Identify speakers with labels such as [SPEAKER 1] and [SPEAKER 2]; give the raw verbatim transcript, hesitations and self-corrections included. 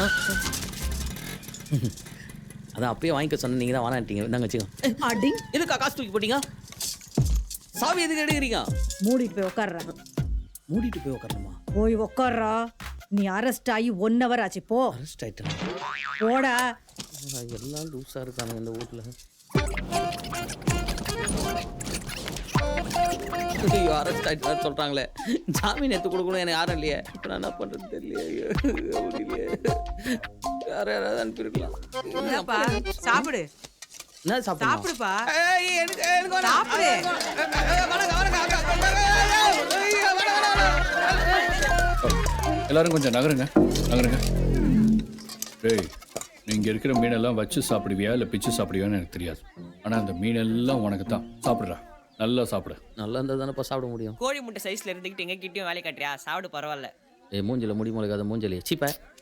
[SPEAKER 1] அதான் அப்பயே வாங்கிக்க சொன்ன நீங்க தான் வானாட்டீங்க. இந்தாங்க வச்சுக்கோங்க.
[SPEAKER 2] அடி
[SPEAKER 1] எதுக்கா காசு தூக்கி போட்டீங்க? சாவி எதுக்கு எடுக்கிறீங்க?
[SPEAKER 2] மூடிட்டு போய் உட்கார்றா.
[SPEAKER 1] மூடிட்டு போய் உட்காரணுமா?
[SPEAKER 2] போய் உட்கார்றா. நீ அரெஸ்ட் ஆகி ஒன் ஹவர் ஆச்சு. போ
[SPEAKER 1] அரெஸ்ட் ஆயிட்டேன்.
[SPEAKER 2] போடா.
[SPEAKER 1] எல்லாம் லூஸா இருக்காங்க இந்த ஊர்ல. ஐயோ அரெஸ்ட் ஆயிட்டு சொல்றாங்களே. ஜாமீன் எடுத்து கொடுக்கணும் எனக்கு யாரும் இல்லையே. இப்போ நான் என்ன பண்றது தெரியலையே. முடியலையே. யார யாராவது அனுப்பியிருக்கலாம்.
[SPEAKER 3] என்னப்பா சாப்பிடு
[SPEAKER 1] என்ன சாப்பிடு?
[SPEAKER 3] சாப்பிடுப்பா.
[SPEAKER 1] ஏய் எனக்கு எனக்கு வேணாம்.
[SPEAKER 3] சாப்பிடு.
[SPEAKER 1] வணக்கம் வணக்கம்.
[SPEAKER 4] எல்லாரும் கொஞ்சம் நகருங்க நகருங்க. டேய் நீங்க இருக்கிற மீனெல்லாம் வச்சு சாப்பிடுவியா இல்லை பிச்சு சாப்பிடுவியான்னு எனக்கு தெரியாது. ஆனால் அந்த மீனெல்லாம் உனக்கு தான். சாப்பிட்றா, நல்லா சாப்பிடு.
[SPEAKER 1] நல்லா இருந்தால் தானேப்பா சாப்பிட முடியும்.
[SPEAKER 5] கோழி முட்டை சைஸ்ல இருந்துக்கிட்டு எங்க கிட்டயும் வேலை காட்டுறியா? சாப்பிடு பரவாயில்ல.
[SPEAKER 1] ஏ மூஞ்சில முடி முளைக்காத மூஞ்சலி சீப்ப.